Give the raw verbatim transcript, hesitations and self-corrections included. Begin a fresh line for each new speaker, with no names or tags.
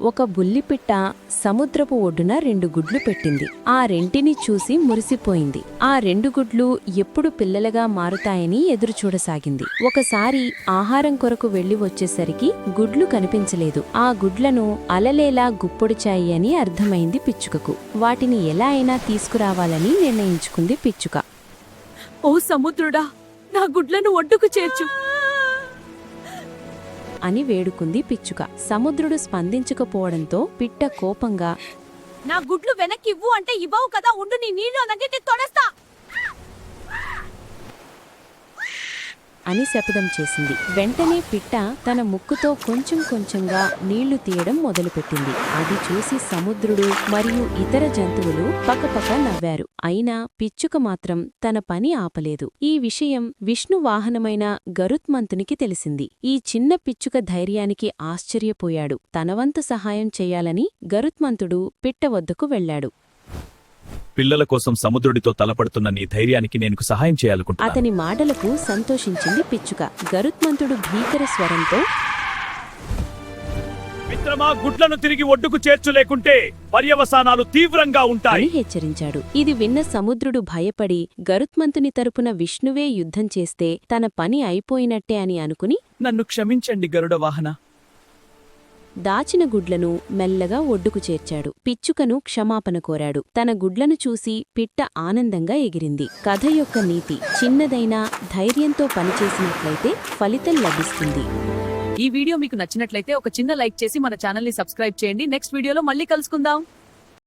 ఒక బుల్లిపిట్ట సముద్రపు ఒడ్డున రెండు గుడ్లు పెట్టింది. ఆ రెంటిని చూసి మురిసిపోయింది. ఆ రెండు గుడ్లు ఎప్పుడు పిల్లలుగా మారుతాయని ఎదురుచూడసాగింది. ఒకసారి ఆహారం కొరకు వెళ్లి వచ్చేసరికి గుడ్లు కనిపించలేదు. ఆ గుడ్లను అలలేలా గుప్పొడిచాయి అని అర్థమైంది పిచ్చుకకు. వాటిని ఎలా అయినా తీసుకురావాలని నిర్ణయించుకుంది పిచ్చుక.
ఓ సముద్రుడా, నా గుడ్లను ఒడ్డుకు చేర్చు
అని వేడుకుంది పిచ్చుక. సముద్రుడు స్పందించకపోవడంతో పిట్ట కోపంగా,
నా గుడ్లు వెనక్కివ్వు అంటే ఇవ్వవు కదా, ఉండు నీ నీళ్లు అన్నగిట్టి తొడస్తా
అని శపథం చేసింది. వెంటనే పిట్ట తన ముక్కుతో కొంచెం కొంచెంగా నీళ్లు తీయడం మొదలుపెట్టింది. అది చూసి సముద్రుడు మరియు ఇతర జంతువులు పకపక నవ్వారు. అయినా పిచ్చుక మాత్రం తన పని ఆపలేదు. ఈ విషయం విష్ణు వాహనమైన గరుత్మంతునికి తెలిసింది. ఈ చిన్న పిచ్చుక ధైర్యానికి ఆశ్చర్యపోయాడు. తనవంతు సహాయం చెయ్యాలని గరుత్మంతుడు పిట్ట వద్దకు వెళ్లాడు.
పిల్లల కోసం సముద్రుడితో తలపడుతున్న నీ ధైర్యానికి నేను సహాయం చేయాలనుకుంటున్నాను.
అతని మాటలకు సంతోషించింది పిచ్చుక. గరుత్మంతుడు భీకర స్వరంతో,
మిత్రమా, గుడ్లను తిరిగి ఒడ్డుకు చేర్చులేకుంటే పర్యవసానాలు తీవ్రంగా ఉంటాయి
అని హెచ్చరించాడు. ఇది విన్న సముద్రుడు భయపడి గరుత్మంతుని తరపున విష్ణువే యుద్ధం చేస్తే తన పని అయిపోయినట్టే అని అనుకుని,
నన్ను క్షమించండి గరుడ వాహన.
దాచిన గుడ్లను మెల్లగా ఒడ్డుకు చేర్చాడు. పిచ్చుకను క్షమాపణ కోరాడు. తన గుడ్లను చూసి పిట్ట ఆనందంగా ఎగిరింది. కథ యొక్క నీతి: చిన్నదైనా ధైర్యంతో పనిచేసినట్లయితే ఫలితం లభిస్తుంది.
ఈ వీడియో మీకు నచ్చినట్లయితే ఒక చిన్న లైక్ చేసి మన ఛానల్ ని సబ్స్క్రైబ్ చేయండి. నెక్స్ట్ వీడియోలో మళ్ళీ కలుసుకుందాం.